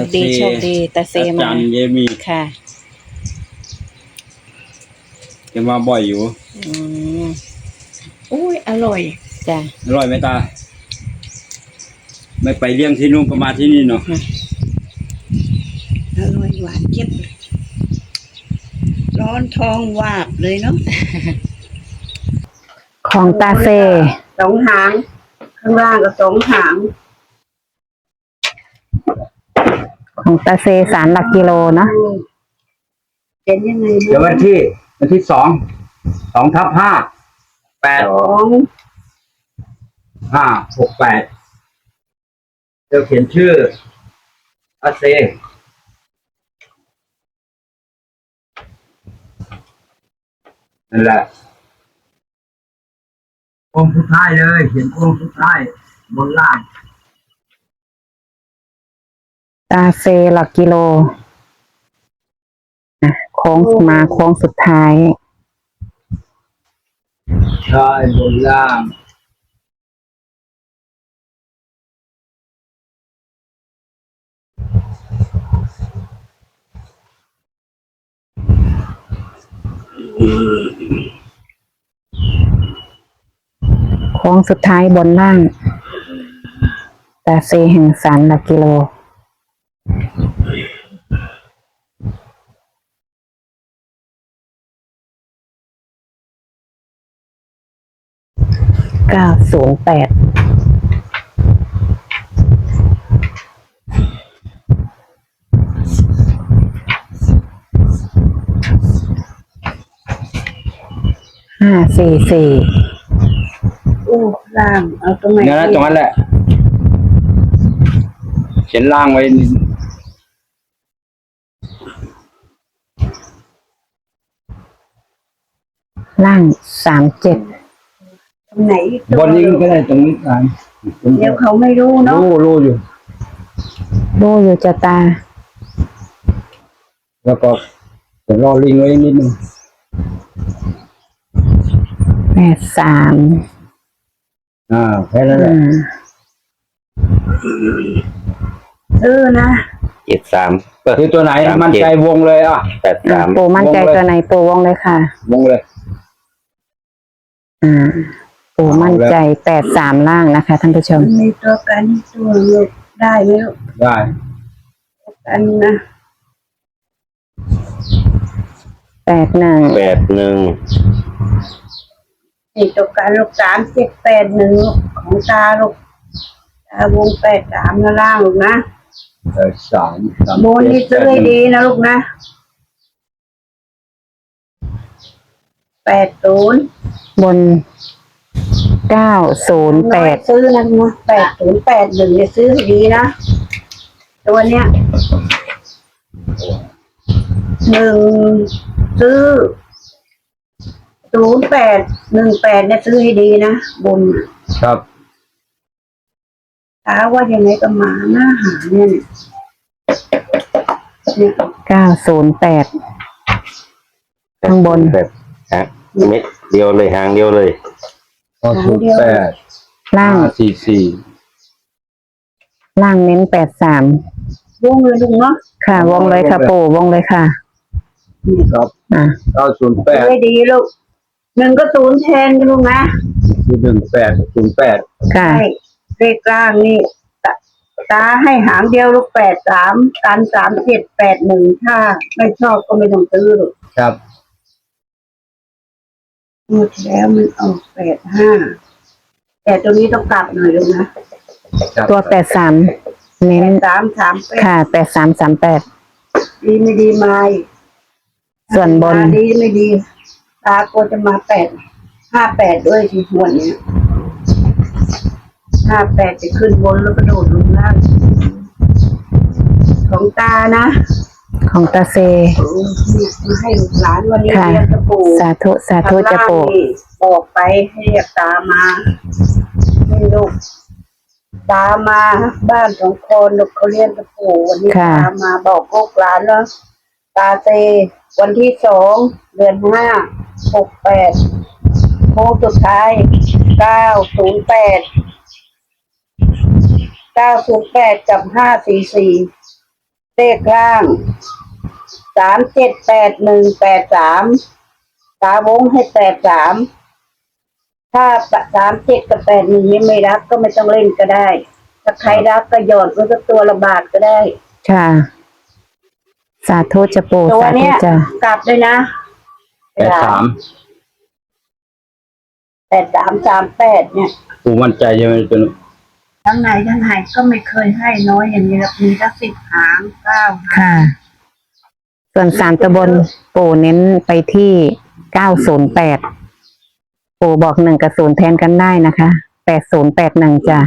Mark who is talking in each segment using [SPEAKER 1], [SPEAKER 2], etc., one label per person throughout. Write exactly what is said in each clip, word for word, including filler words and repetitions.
[SPEAKER 1] คดีโชคดีตาเซมา
[SPEAKER 2] จันเยมี
[SPEAKER 1] ค่ะ
[SPEAKER 2] แกมาบ่อยอยู่
[SPEAKER 1] อืม
[SPEAKER 3] อุ้ยอร่อย
[SPEAKER 1] จ้ะ
[SPEAKER 2] อร่อยไหมตาไม่ไปเลี้ยงที่นู่นก็มาที่นี่เนาะ
[SPEAKER 3] อร่อยหวานเจี๊ยบเลยร้อนทองวาบเลยเนาะ
[SPEAKER 1] ของตาเซ
[SPEAKER 3] สองหางข้างล่างก็สองหาง
[SPEAKER 1] ของตาเซสารหลักกิโลเนาะ
[SPEAKER 3] เป็นยังไง
[SPEAKER 2] เดี๋ยววันที่วันที่สองสองทับห้าแปด
[SPEAKER 3] สอง
[SPEAKER 2] ห้าหกแปดเดี๋ยวเขียนชื่ออาเซนั่นแหละโค้งสุดท้ายเลยเขียนโค้งสุดท้ายบนล่าง
[SPEAKER 1] ตาเซหลักกิโลโค้งมาโค้งสุดท้าย
[SPEAKER 2] ใช่บนล่าง
[SPEAKER 1] โค้งสุดท้ายบนล่างตาเซแห่งสารหลักกิโลเก้าศูนย์แปดห้าสี่สี่
[SPEAKER 3] โอ้ล่างเอาตรงไหน
[SPEAKER 2] นั่นแหละตรงนั้นแหละเขียนล่างไว้
[SPEAKER 1] ล่างสามเจ็ด
[SPEAKER 3] ตรงไหน
[SPEAKER 2] บนนี้ก็ได้ตรงนี้อ่าน
[SPEAKER 3] เดี๋ยวเขาไม่รู้เนาะ
[SPEAKER 2] รู้รู้อยู่
[SPEAKER 1] ดูอยู่จะตา
[SPEAKER 2] แล้วก็เดี๋ยวรอลิงไว้นิดนึง
[SPEAKER 1] แปดสาม
[SPEAKER 2] อ่าแค่นั้นแหละ
[SPEAKER 3] เออนะ
[SPEAKER 4] เจ็ดสาม
[SPEAKER 2] คือตัวไหนมันใจวงเลยอ่ะ
[SPEAKER 4] แปดสาม
[SPEAKER 1] ปูมั่นใจตัวไหนปูวงเลยค่ะ
[SPEAKER 2] วงเลย
[SPEAKER 1] อ่าปูมั่นใจแปดสามล่างนะคะท่านผู้ชม
[SPEAKER 3] มีตัวกันตัวลูกได้ไหมลูก
[SPEAKER 2] ได้
[SPEAKER 3] กันนะ
[SPEAKER 1] แปดหนึ่ง
[SPEAKER 4] แปดหนึ่ง
[SPEAKER 3] นี่ตัวกันลูกสามเจ็ดแปดหนึ่งของตาลูกตาวงแปดสามนะล่างลูกนะ
[SPEAKER 2] แปดสาม
[SPEAKER 3] โมนี่ซื้อให้ดีนะลูกนะแปดศูนย์
[SPEAKER 1] บนเก้าศูนย์แปด
[SPEAKER 3] ซื้อนะนะแปดศูนย์แปดหนึ่งเนี่ยซื้อให้ดีนะตัวเนี้ยหนึ่งซื้อศูนย์แปดหนึ่งแปดเนี่ยซื้อให้ดีนะบน
[SPEAKER 2] ครับ
[SPEAKER 3] ถามว่ายังไงก็มาหน้าหาเนี่ยเนี่ย
[SPEAKER 1] เก้าศูนย์แปดข้างบน
[SPEAKER 4] แบบฮะเม็ดเดียวเลยหางเดียวเลย
[SPEAKER 2] เก้าศูนย์แปด
[SPEAKER 1] ล่าง
[SPEAKER 2] สี่สี่
[SPEAKER 1] ล่างเน้นแปดสาม
[SPEAKER 3] วงเลยลุงเนาะ
[SPEAKER 1] ค่ะวงเลยค่ะปู่วงเลยค่ะ
[SPEAKER 2] นี่ครับ
[SPEAKER 1] อ่า
[SPEAKER 2] เก้าศูนย์แปด
[SPEAKER 3] ไม่ดีลูกหนึ่งก็ศูนย์แทนกันลุงนะ
[SPEAKER 2] คือหนึ่งแปดศูนย์แปด
[SPEAKER 1] ค่ะ
[SPEAKER 3] เลขล่างนี่ตาให้หางเดียวลูกแปดสามกันสามเจ็ดแปดหนึ่งถ้าไม่ชอบก็ไม่ต้องซื้อลูก
[SPEAKER 2] ครับ
[SPEAKER 3] หมดแล้วมันออกแปดห้าแต่ตัวนี้ต้องกลับหน่อยลูกนะ
[SPEAKER 1] ตัวแปดสามเน้น
[SPEAKER 3] สามสาม
[SPEAKER 1] ค่ะแปดสามสามแปด
[SPEAKER 3] ดีไม่ดีมา
[SPEAKER 1] ส่วนบน
[SPEAKER 3] ดีไม่ดีตาก็จะมาแปดห้าแปดด้วยทีหัวเนี้ยห้าแปดจะขึ้นบนแล้วกระโดดลงล่างของตานะ
[SPEAKER 1] ของตาเซ
[SPEAKER 3] มาให้ลูกหลานวันนี้เรียนตะปู
[SPEAKER 1] สาธุสาธุจะปู
[SPEAKER 3] บอกไปให้เรียกตามาให้ลูกตามาบ้านของคนลูกเขาเรียนตะปูวันนี้ตามาบอกลูกหลานแล้วตาเซวันที่สองเดือนห้าหกแปดโค้งสุดท้ายเก้าศูนย์แปดเก้าศูนย์แปดกับห้าสี่สี่เลขล่างสามเจ็ดแปดหนึ่งแปดสามตาวงให้แปดสามถ้าสามเจ็ดกับแปดหนึ่งนี้ไม่รักก็ไม่ต้องเล่นก็ได้ถ้าใครรักก็หยอดไว้สักตัวละบาทก็ได้
[SPEAKER 1] ค่ะ สาธุจะปู่
[SPEAKER 3] ตัว
[SPEAKER 1] สาธุ
[SPEAKER 3] เนี้ย
[SPEAKER 1] จะ
[SPEAKER 3] กลับเลยนะ
[SPEAKER 2] แปดสาม
[SPEAKER 3] แปดสามสามแปดเนี่ย
[SPEAKER 2] ปูมั่นใจใช่ไหมตัวนี้
[SPEAKER 3] ทั้งไหนทั้งไหนก็ไม่เคยให้น้อยอย่างนี้หรอกมีตั้งสิบหางเก้าหาง
[SPEAKER 1] ค่ะ ส่วนสามตะบนปู่เน้นไปที่เก้าศูนย์แปดปู่บอกหนึ่งกับศูนย์แทนกันได้นะคะแปดศูนย์แปดหนึ่งจ้ะ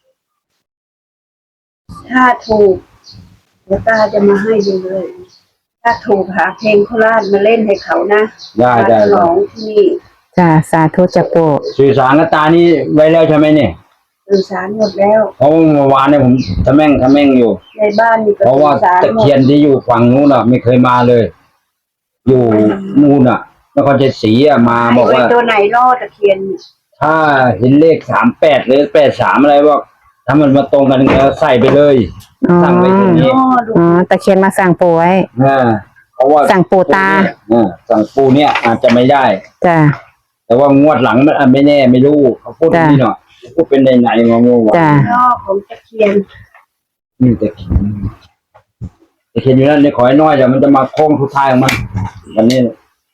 [SPEAKER 3] ถ้าถูกเดี๋ยวตาจะมาให้ดูเลย ถ้าถูกหาเพลงโคราชมาเล่นให้เขานะ
[SPEAKER 2] ได้ได้
[SPEAKER 3] มาฉลองที่นี่
[SPEAKER 1] จ้ะสาธุจะปู่
[SPEAKER 2] สื่อสารกับตานี่ไว้แล้วใช่ไหมเนี่ย
[SPEAKER 3] สื่อสารหมดแล้ว
[SPEAKER 2] เพราะเมื่อวานเนี่ยผมทะแม่งทะแม่งอยู่
[SPEAKER 3] ในบ้านนี่ก็
[SPEAKER 2] เพราะ
[SPEAKER 3] สื่
[SPEAKER 2] ว่า
[SPEAKER 3] อสาร
[SPEAKER 2] ตะ
[SPEAKER 3] หมด
[SPEAKER 2] เคียนที่อยู่ฝั่งนู้นอ่ะ ไม่เคยมาเลย อยู่นู่นอ่ะนครชัยศรีอ่ะมาบอกว่า
[SPEAKER 3] ไตัวไหนรอดตะเคียนเนี่ย
[SPEAKER 2] ถ้าเห็นเลขสามแปดหรือแปดสามอะไรว่าถ้ามันมาตรงกันก็ใส่ไปเลย
[SPEAKER 1] อ๋อ
[SPEAKER 2] ตั้งไว้ตรงนี้
[SPEAKER 3] รอดดู
[SPEAKER 1] อ๋อตะเคียนมาสั่งปู่ไว้
[SPEAKER 2] อ่าเพราะว่า
[SPEAKER 1] สั่งปู่ตา
[SPEAKER 2] อ่าสั่งปูเนี่ยอาจจะไม่ได้
[SPEAKER 1] จ้ะ
[SPEAKER 2] แต่ว่างวดหลังมันอ่ะไม่แน่ไม่รู้เขาพูดอย่างนี่เนาะพูดเป็นในไหนๆงงๆว่า
[SPEAKER 1] จ้ะ
[SPEAKER 3] รอบของตะเคียน
[SPEAKER 2] นี่แต่เขียนแต่เขียนอยู่นั่นเนี่ยขอให้น้อยเดี๋ยวมันจะมาโค้งทุกท้ายของมันวันนี้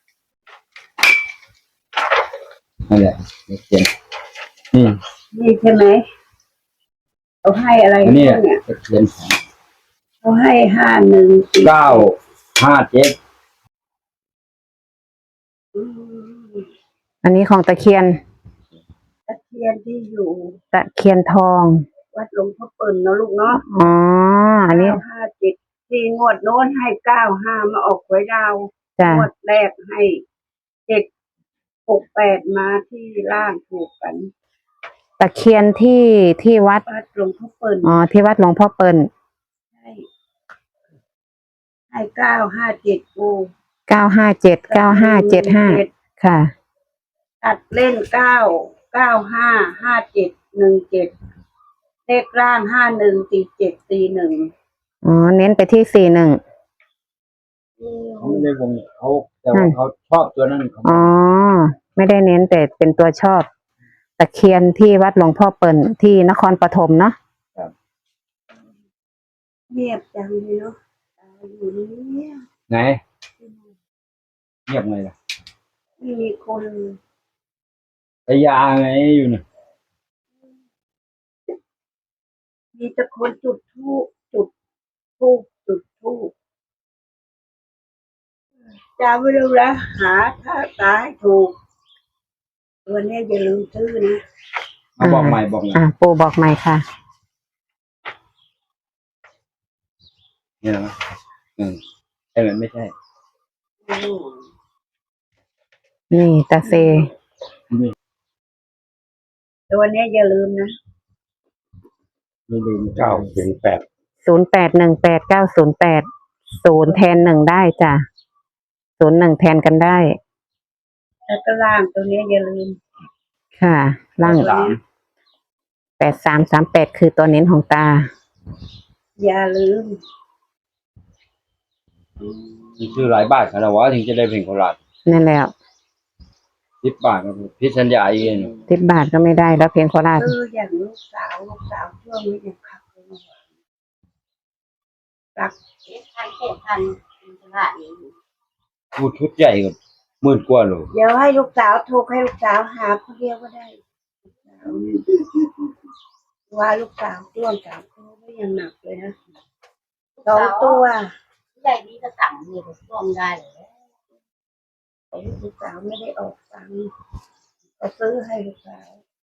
[SPEAKER 2] นั่นแหละตะเขียนนี่
[SPEAKER 3] นี่ใช่ไหมเขาให้อะไร
[SPEAKER 2] อันนี้
[SPEAKER 3] เนี่ย
[SPEAKER 2] ตะเขียน
[SPEAKER 3] เขาให้ห้าหนึ่งสี่
[SPEAKER 2] เก้าห้าเจ็ด
[SPEAKER 3] อืม
[SPEAKER 1] อันนี้ของตะเคียน
[SPEAKER 3] ตะเคียนที่อยู่
[SPEAKER 1] ตะเคียนทอง
[SPEAKER 3] วัดหลวงพ่อเปิ่นเนาะลูกเนาะ
[SPEAKER 1] อ๋อ อันนี้
[SPEAKER 3] เก้าห้าเจ็ดที่งวดโน้นให้เก้าห้ามาออกหวยดาว
[SPEAKER 1] จ้ะ
[SPEAKER 3] งวดแรกให้เจ็ดหกแปดมาที่ล่างถูกกัน
[SPEAKER 1] ตะเคียนที่ที่วัด
[SPEAKER 3] วัดหลวงพ่อเปิ่น
[SPEAKER 1] อ๋อ ที่วัดหลวงพ่อเปิ่น
[SPEAKER 3] ให้ให้เก้าห้าเจ็ดกู
[SPEAKER 1] เก้าห้าเจ็ด เก้าห้าเจ็ดห้า ค่ะ
[SPEAKER 3] ตัดเล่นเก้าเก้าห้าห้าเจ็ดหนึ่งเจ็ดเลขล่างห้าหนึ่งสี่เจ็ดสี่หนึ่ง
[SPEAKER 1] อ๋อ เน้นไปที่สี่หนึ่ง
[SPEAKER 2] เขาไม่ได้วงเขาแต่ว่าเขาชอบตัวนั้นเขา
[SPEAKER 1] อ๋อ ไม่ได้เน้นแต่เป็นตัวชอบ ตะเคียนที่วัดหลวงพ่อเปิ่นที่นครปฐมเนาะ
[SPEAKER 3] เงียบจังเลยเนาะตายอยู่เนี่ย
[SPEAKER 2] ไหนเงียบไงล่ะ
[SPEAKER 3] ไม่มีคน
[SPEAKER 2] พยาไงอยู่เนี่ย
[SPEAKER 3] มีแต่คนจุดทูบจุดทูบจุดทูบจำไว้เลยนะหาถ้าตายถูกวันนี้อย่าลืมซื้อนะ
[SPEAKER 2] เอาบอกใหม่บอกใหม่
[SPEAKER 1] อ่า ปู่บอกใหม่ค่ะ
[SPEAKER 2] เนี่ยนะอืมใช่ไหมไม่ใช่
[SPEAKER 1] นี่ตาเซ
[SPEAKER 3] แต่วันนี้อย่าลืมนะ
[SPEAKER 2] ไม่ลืม
[SPEAKER 4] เก้าศูนย์แปด
[SPEAKER 1] ศูนย์แปดหนึ่งแปดเก้าศูนย์แปด ศูนย์แทนหนึ่งได้จ้ะ ศูนย์หนึ่งแทนกันได้
[SPEAKER 3] แล้วก็ล่างตัวนี้อย่าลืม
[SPEAKER 1] ค่ะ ล่าง
[SPEAKER 2] สาม
[SPEAKER 1] แปดสามสามแปดคือตัวเน้นของตา
[SPEAKER 3] อย่าลืม
[SPEAKER 2] มีชื่อหลายบาทขนาดว่าถึงจะได้เพลงโคราช
[SPEAKER 1] นั่นแหละ
[SPEAKER 2] สิบบาทครับพิสัญญาเอง
[SPEAKER 1] สิบบาทก็ไม่ได้แล้วเพลงโคราช
[SPEAKER 3] คืออย่างลูกสาวลูกสาวช่วงนี้ยังขับเลยนะรักเจ็ดพันเจ็ดพันเป็นตลาดเอง
[SPEAKER 2] พูดชุดใหญ่กับหมื่นกว่าโล
[SPEAKER 3] เดี๋ยวให้ลูกสาวถูกให้ลูกสาวหาคนเดียวก็ได้ลูกสาวว่าลูกสาวต้วงสามคนก็ยังหนักเลยนะสองตัว
[SPEAKER 5] ใหญ่ดีก็สั่งมีก็ช่วงได้เลย
[SPEAKER 3] แต่ลูกสาวไม่ได้ออกตังค์ก็ซื้อให้ลูกสาว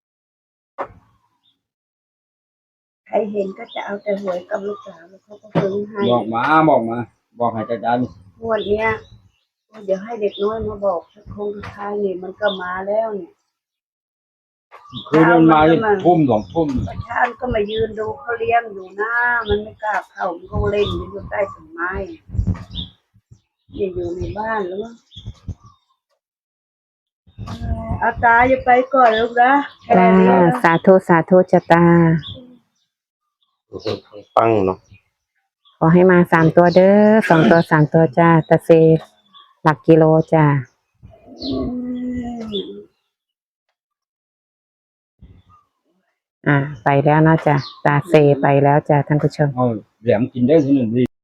[SPEAKER 3] ใครเห็นก็จะเอาแต่หวยกับลูกสาวแล้วเขาก็ซื้อให้
[SPEAKER 2] บอกมาบอกมา บอกให้จัดการ
[SPEAKER 3] งวดเนี้ยเดี๋ยวให้เด็กน้อยมาบอกสักคงสุดท้ายนี่มันก็มาแล้วเนี่ย
[SPEAKER 2] คือมันมาทุ่มสองทุ่ม
[SPEAKER 3] ประชาชนก็มายืนดูเขาเลี้ยงอยู่หน้ามันไม่กล้าเข้ามันก็เล่นอยู่ใต้ต้นไม้อย่าอยู่ในบ้านแล้วมั้งเอ่อเอาตาอย่าไปก่อนลูกนะแค่
[SPEAKER 1] จ้า
[SPEAKER 3] นี้
[SPEAKER 1] สาธุสาธุจะตา
[SPEAKER 4] ปังเนาะ
[SPEAKER 1] ขอให้มาสามตัวเด้อสองตัวสามตัวจ้าตาเซหลักกิโลจ้าอ่าไปแล้วเนาะจ้ะตาเซไปแล้วจ้ะท่านผู้ชม
[SPEAKER 2] เอาแหลมกินได้ทีหนึ่งดี